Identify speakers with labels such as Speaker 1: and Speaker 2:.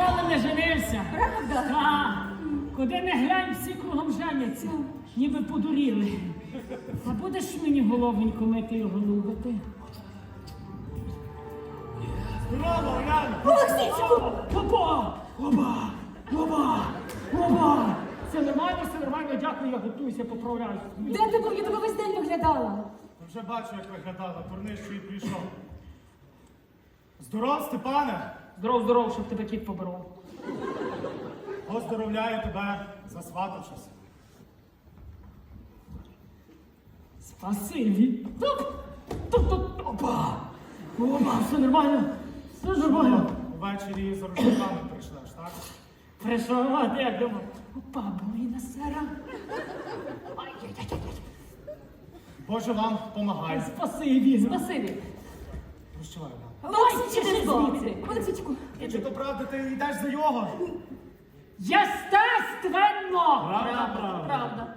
Speaker 1: ніколи не женився.
Speaker 2: Правда?
Speaker 1: Так. Куди не глянь, всі кругом женяться. Ніби подуріли. А будеш мені головонько мити його любити?
Speaker 3: Здорово, Оляна!
Speaker 2: Олексійчику!
Speaker 1: Опа! Опа! Опа! Опа! Все нормально, дякую, я готуюся, поправляюся.
Speaker 2: Де ти був? Я тебе весь день виглядала.
Speaker 3: Вже бачу, як виглядала, турнир, що і прийшов. Здоров, Степане!
Speaker 1: Здоров, щоб тебе кіт поборов.
Speaker 3: Поздоровляю тебе, засватавшись.
Speaker 1: Спасибі. Опа! Опа, все нормально. Все нормально.
Speaker 3: Увечері за рушниками прийшлеш, так?
Speaker 1: Прийшов, я думав. Опа, Борина Сара.
Speaker 3: Боже вам помагай.
Speaker 1: Спасибі.
Speaker 2: Спасибі.
Speaker 3: Прощавай, Оляна.
Speaker 2: Олексійчику,
Speaker 1: тиши
Speaker 2: ти збав.
Speaker 1: звідси.
Speaker 2: Олексійчику.
Speaker 3: Чи то правда ти йдеш за його?
Speaker 1: Єстественно!
Speaker 3: Правда.
Speaker 1: Правда.